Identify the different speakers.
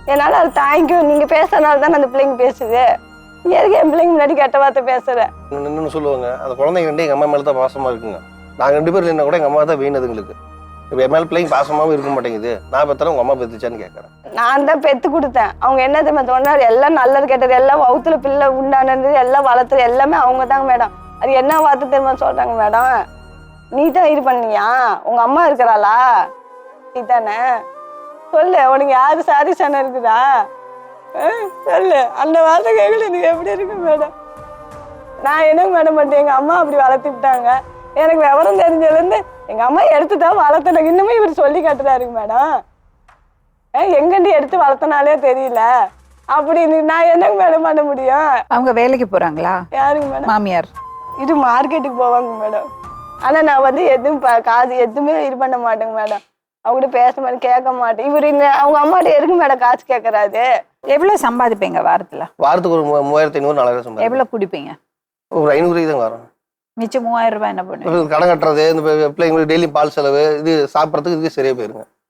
Speaker 1: என்னால அது தாங்கிக்கும். நீங்க பேசுறதுனால தான் அந்த பிள்ளைங்க பேசுது. நீ எதுக்கு என் பிள்ளைங்க முன்னாடி கெட்ட வார்த்தை பேசுற?
Speaker 2: இன்னொன்னு சொல்லுவாங்க, அந்த குழந்தைங்க ரெண்டு எங்க அம்மா மேல தான் பாசமா இருக்குங்க. நாங்க 2 பேரும் இல்லைன்னா கூட எங்க அம்மா தான் வீணதுங்களுக்கு. இப்போ என் மேல பிள்ளைங்க பாசமாவும் இருக்க மாட்டேங்குது. நான் பெத்தாலும் உங்க அம்மா பெத்துச்சான்னு கேட்கறேன்.
Speaker 1: நான் தான் பெத்து கொடுத்தேன். அவங்க என்ன தெரியுமா சொன்னாரு, எல்லாம் நல்லது கெட்டது எல்லாம் வவுத்துல பிள்ளை உண்டானது எல்லாம் வளர்த்துறது எல்லாமே அவங்க தாங்க மேடம். அது என்ன வார்த்தை தெரியுமா சொல்றாங்க மேடம், நீ தான் இது பண்ணியா, உங்க அம்மா இருக்கிறாளா, நீ தானே சொல்லு, உனக்கு யாரு சாரி சனை இருக்குதா சொல்லு. அந்த வார்த்தை கேட்கல எனக்கு எப்படி இருக்கு மேடம். நான் என்ன மேடம் பண்ணிட்டேன், எங்க அம்மா அப்படி வளர்த்து விட்டாங்க. எனக்கு விவரம் தெரிஞ்சதுலேருந்து எங்க அம்மா எடுத்துதான் வளர்த்தஎனக்கு இன்னுமே இவர் சொல்லி காட்டுறாருங்க மேடம். எங்கண்டி எடுத்து வளர்த்தனாலே தெரியல அப்படின்னு நான் என்னங்க மேடம் பண்ண முடியும்?
Speaker 3: அவங்க வேலைக்கு போறாங்களா?
Speaker 1: யாருங்க மேடம்?
Speaker 3: மாமியார்
Speaker 1: இது மார்க்கெட்டுக்கு போவாங்க மேடம். ஆனா நான் வந்து எதுவும் காசு எதுவுமே இது பண்ண மாட்டேங்க மேடம். அவங்ககிட்ட பேச மாட்டேன், கேட்க மாட்டேன். இவர் அவங்க அம்மாட்ட எதுக்கு மேடம் காசு கேட்கறாரு?
Speaker 3: எவ்வளவு சம்பாதிப்பீங்க வாரத்துல?
Speaker 2: வாரத்துக்கு ஒரு 3500 4000 சம்பளம்.
Speaker 3: எவ்வளவு குடிப்பீங்க?
Speaker 2: ஒரு 500 தான் வரும்.
Speaker 3: மிச்சம் 3000 ரூபாய் என்ன பண்ணுவீங்க?
Speaker 2: கடன் கட்டுறது, இந்த பிள்ளைங்களுக்கு டெய்லி பால் செலவு, இது சாப்பிட்றதுக்கு இதுக்கு சரியா போயிருங்க.